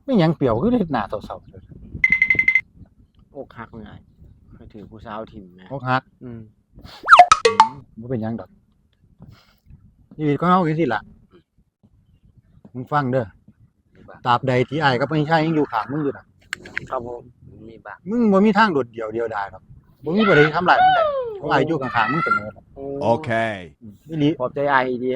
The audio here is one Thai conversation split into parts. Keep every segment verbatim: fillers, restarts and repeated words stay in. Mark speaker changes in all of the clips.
Speaker 1: ไม่หยังเปรียวคือเฮ็ดหน้าเศร้า
Speaker 2: อกหักไงเคยถือผู้สาวถิ่มนะ
Speaker 1: ๆอกหัก
Speaker 2: อืม
Speaker 1: บ่เป็นหยังดอกชีวิตของเฮาคือสิล่ะมึงฟังเด้อตราบใดที่อ้ายกับพี่ชายยังอยู่ข้างมึงอยู่น่ะ
Speaker 2: ครับผมมีบ้าง
Speaker 1: มึงบ่มีทางโดดเดี่ยวเดียวดายดอกบ่มีผู้ใดทำร้ายมึงได้เพราะอ้ายอยู่ข้างๆมึงเสมอ
Speaker 2: โอเค
Speaker 1: อีหลี
Speaker 2: ขอบใจอ้ายดี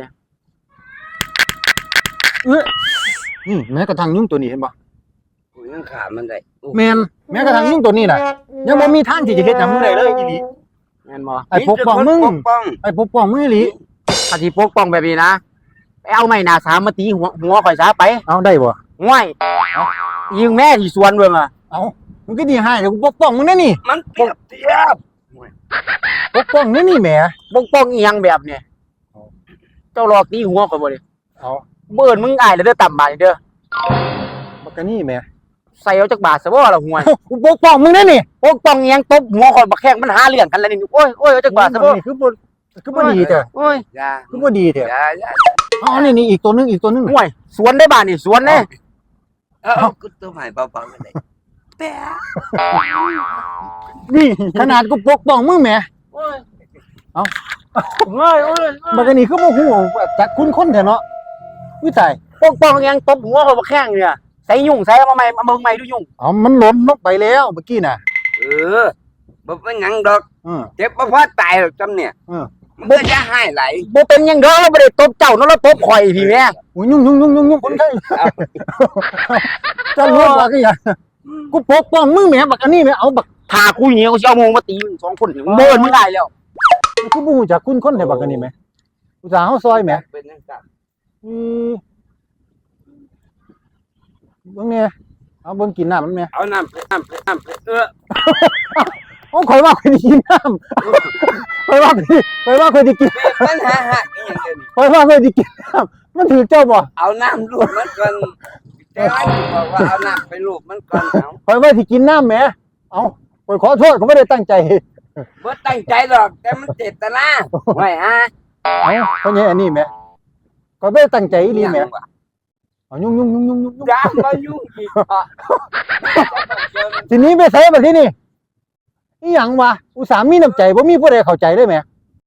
Speaker 1: เอ้ออืมแม้กระทั่งยุงตัวนี้เห็นบ่
Speaker 3: ยังขามันได้
Speaker 1: แม่นแม้กระทั่งยุงตัวนี้น่ะยังบ่มีทางที่จะเฮ็ดหยังมึงได้เลยอีหลี
Speaker 2: แม่นบ่
Speaker 1: ไอ้ปกป้องมึงไอ้ปกป้องมึงอีหลี
Speaker 2: ถ้าสิปกป้องแบบนี้นะไปเอาไม้หน้าสามมาตีหัวหัวข่อยซะไป
Speaker 1: เอาได้บ่
Speaker 2: ง่วยยิงแม่ที่สวนเบิ่งอ่ะ
Speaker 1: เอ้ามึงก็ดีให้เดี๋ยวกูปกป้องมึงแน่นี่
Speaker 3: มันเปรียบเทียบ
Speaker 1: ปกป้องนี่นี่แหม
Speaker 2: ปกป้องอีหยังแบบนี้เจ้าหลอกตีหัวข่อยบ่ดิ
Speaker 1: เอา
Speaker 2: เบิ่นมึงอ้ายแล้วเด้อต่ำบาดเด้อ
Speaker 1: บักกะนี่แหม
Speaker 2: ใส่เอาจักบาทซะบ่ล่ะห่วย
Speaker 1: กูปกป้องมึงแน่นี่
Speaker 2: ปกป้องอีหยังตบหัวข่อยบักแข้งมันหาเรื่องกันแล้วนี่โอ้ยโอ้ยเอาจักบาทซะบ่
Speaker 1: นี่คือบ่คือบ่ดีแท้
Speaker 2: โอ้ย
Speaker 3: อย่า
Speaker 1: คือบ่ดีแท้
Speaker 3: อย่าอย่า
Speaker 1: อ๋อนี่นี่อีกตัวนึงอีกตัวนึง
Speaker 2: ห่วยสวนได้บาดนี่สวนเด้
Speaker 3: เอ้ากูตัวใหม่เบาๆกันได้แปะ
Speaker 1: นี่ขนาดกูปกป้องมึงแหม
Speaker 2: โอ้ย
Speaker 1: เอ้า
Speaker 2: โอ้ยโอ้ย
Speaker 1: บักกะนี่คือบ่ฮู้จักคุณคนแท้เนาะวิตาย
Speaker 2: ปกป้องอีหยังตบหัวข่อยบักแข้งเนี่ยใส่ยุ่งใส่เอามาใหม่มาเบิ่งใหม่ดูยุ่ง
Speaker 1: เอ้ามันหล่นลงไปแล้วเมื่อกี้น่ะ
Speaker 3: เออบ่เป็นหยังดอก
Speaker 1: เออ
Speaker 3: เจ็บบ่พอตายหรอกจำเนี่ย
Speaker 1: เออ
Speaker 3: บ่จะให้ไหล
Speaker 2: บ่เป็นหยังดอกเราบ่ได้ตบเจ้าเนาะเราตบข่อยพี่แม่
Speaker 1: โอ้ยยุ่งยุ่งยุ่งยุ่งยุ่งคนไข้จะรู้ว่าคือหยังกูปกป้องมึงแหมบักอันนี้แหมเอาบัก
Speaker 2: ถ้ากูเหี่ยวกูสิเอาโมงมาตีมึงสองคนเบิ่นมึงได้แล้ว
Speaker 1: กูบ่ฮู้จักคุณคนแท้บักอันนี้แหมอุตส่าห์เฮาซอยแหม
Speaker 3: เป็นจังซั่น
Speaker 1: อือเบิ่งแหน่เอาเบิ่งกินน้ำมันแหม
Speaker 3: เอาน้ำน้ำน้ำเออ
Speaker 1: โอ้ข่อยว่าข่อยสิกินน้ำข่อยว่าข่อยว่าข่อยสิกิน
Speaker 3: ปัญหาหักอีหยังเดี๋ยวนี้
Speaker 1: ข่อยว่าข่อยสิกินน้ำมันถือเจ้าบ่
Speaker 3: เอาน้ำลูบมันก่อนแต่ว่าบอกว่าเอาน้ำไปลูบมันก่อนเอา
Speaker 1: ข่อยว่าสิกินน้ำแหมเอ้าข่อยขอโทษข่อยบ่ได้ตั้งใจ
Speaker 3: บ่ตั้งใจหรอกแต่มันเจตนาไว้ฮะ
Speaker 1: เอ้าเพราะงี้อันนี้แหมข่อยบ่ได้ตั้งใจอีหลีแหมเอายุ่งยุ่งยุ่งยุ่งยุ่ง
Speaker 3: อย่ามายุ่งอีกอ่ะ
Speaker 1: ทีนี้ไปไสบัดทีนี้อีหยังวะอุตส่าห์มีน้ำใจบ่มีผู้ใดเข้าใจเลยแหม